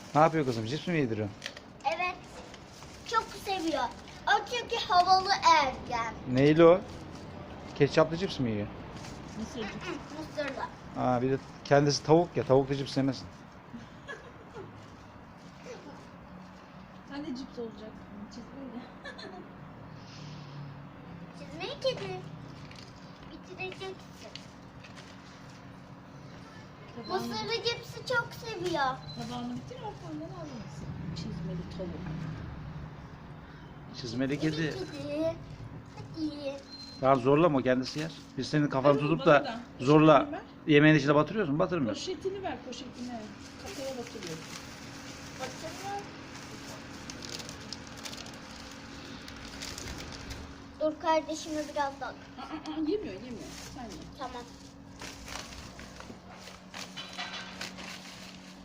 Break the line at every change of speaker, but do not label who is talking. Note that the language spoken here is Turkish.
Ne yapıyor kızım? Cips mi yediriyorsun?
Evet. Çok seviyor. O çünkü havalı ergen.
Neyli o? Ketçaplı cips mi yiyor?
Mısırcık.
Mısırlı.
Aa, bir de kendisi tavuk ya. Tavuk da cips yemesin.
Sen de cips olacak. Çizmeyle.
Çizmeyi kedi. Bitireceksin. Mısırlı cipsi çok seviyor.
Tabağını bitir arkamdan almasın. Çizmeli tavuk.
Çizmeli kedi.
Kedi. Hadi.
Ya zorlama, kendisi yer. Biz senin kafanı
Hayır,
tutup
bana
da
da.
zorla
Poşetini ver.
yemeğin içine batırıyorsun. Batırmıyorsun.
Poşetini ver poşetini. Kafaya batırıyorsun.
Bakın. Dur kardeşime biraz daha.
Yemiyor yemiyor. Sen ye.